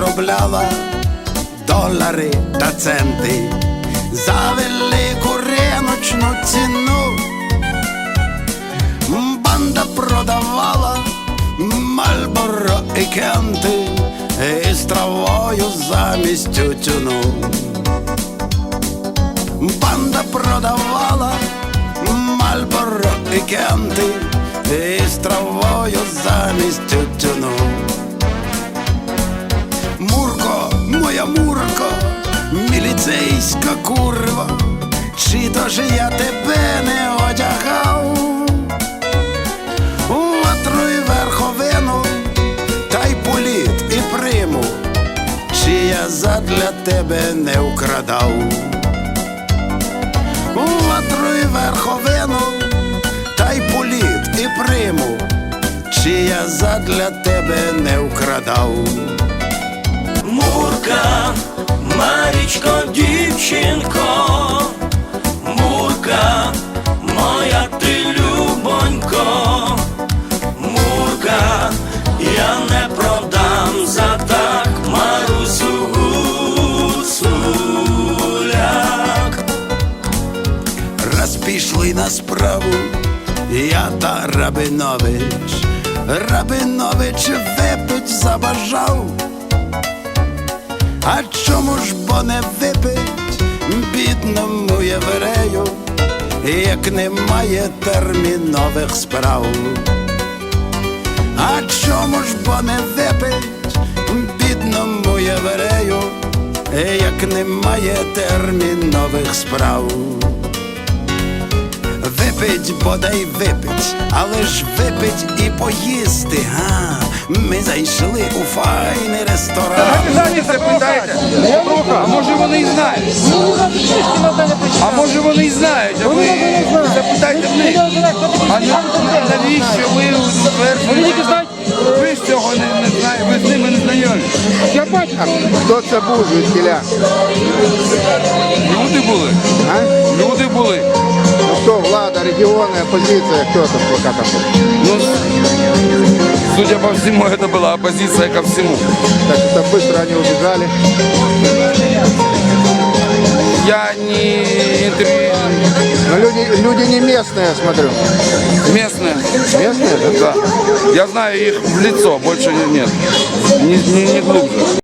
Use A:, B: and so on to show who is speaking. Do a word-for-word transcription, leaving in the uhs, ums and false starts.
A: заробляла долари та центи за велику риночну ціну. Банда продавала Мальборо і Кенти із травою замість тютюну. Банда продавала Мальборо і Кенти із травою замість тютюну. Мурко, моя Мурко, міліцейська курва, чи то ж я тебе не одягав у ватру й верховину, та й політ і приму, чи я задля тебе не вкрадав у ватру й верховину, та й політ і приму, чи я задля тебе не вкрадав.
B: Мурка, Марічко, дівчинко, Мурка, моя ти любонько, Мурка, я не продам за так Марусю Гуцуляк.
A: Раз пішли на справу я та Рабинович, Рабинович випить забажав. А чому ж бо не випить бідному єврею, як немає термінових справ? А чому ж бо не випить бідному єврею, як немає термінових справ? Випить, бодай випить, але ж випить і поїсти, га? Ми зайшли у файний ресторан.
C: Запитайте, а може вони і знають? А може вони і знають, а ви запитайте в них. А навіщо ви утверджуєте? Ви ж цього не знаєте, ви з ними не знайомі.
D: Я бачу. Хто це був звідкіля?
C: Люди були.
D: А?
C: Люди були.
D: Ну хто, влада, регіони, опозиція, хто там пока там був?
C: Ну, судя по всему, это была оппозиция ко всему.
D: Так что быстро они убежали.
C: Я не интервью...
D: Но люди, люди не местные, я смотрю.
C: Местные.
D: Местные, да?
C: Да. Я знаю их в лицо, больше нет. Не, не, не глубже.